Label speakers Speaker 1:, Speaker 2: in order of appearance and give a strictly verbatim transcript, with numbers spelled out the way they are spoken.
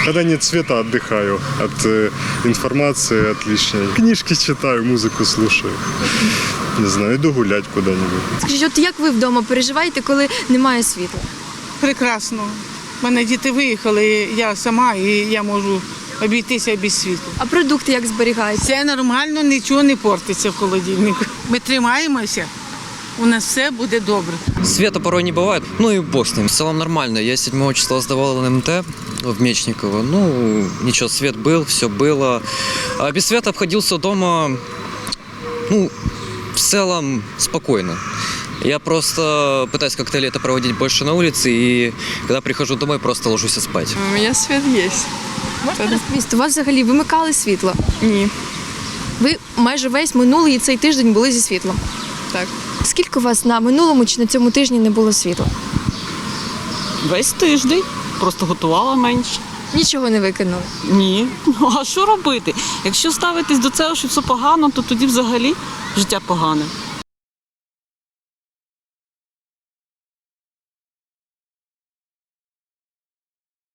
Speaker 1: Когда нет света, отдыхаю от э, информации, от лишней. Книжки читаю, музыку слушаю. Не знаю, иду гулять куда-нибудь.
Speaker 2: Скажіть, от як ви вдома переживаєте, коли немає світла?
Speaker 3: Прекрасно. У мене діти виїхали, я сама, і я можу обійтися без світла.
Speaker 2: А продукти як зберігаєте?
Speaker 3: Все нормально, нічого не портиться в холодильнику. Ми тримаємося, у нас все буде добре.
Speaker 4: Света порой не бывает, ну и бог с ним. В целом нормально. Я седьмого числа сдавал эн эм тэ в Мечниково. Ну, ничего, свет был, все было. А без света обходился дома, ну, в целом спокойно. Я просто пытаюсь как-то лето проводить больше на улице, и когда прихожу домой, просто ложусь спать.
Speaker 5: У меня свет есть.
Speaker 2: Можете розповісти, у вас взагалі вимикали світло?
Speaker 5: Ні.
Speaker 2: Ви майже весь минулий і цей тиждень були зі світлом.
Speaker 5: Так.
Speaker 2: Скільки у вас на минулому чи на цьому тижні не було світла?
Speaker 6: Весь тиждень. Просто готувала менше.
Speaker 2: Нічого не викинули.
Speaker 6: Ні. Ну а що робити? Якщо ставитись до цього, що все погано, то тоді взагалі життя погане.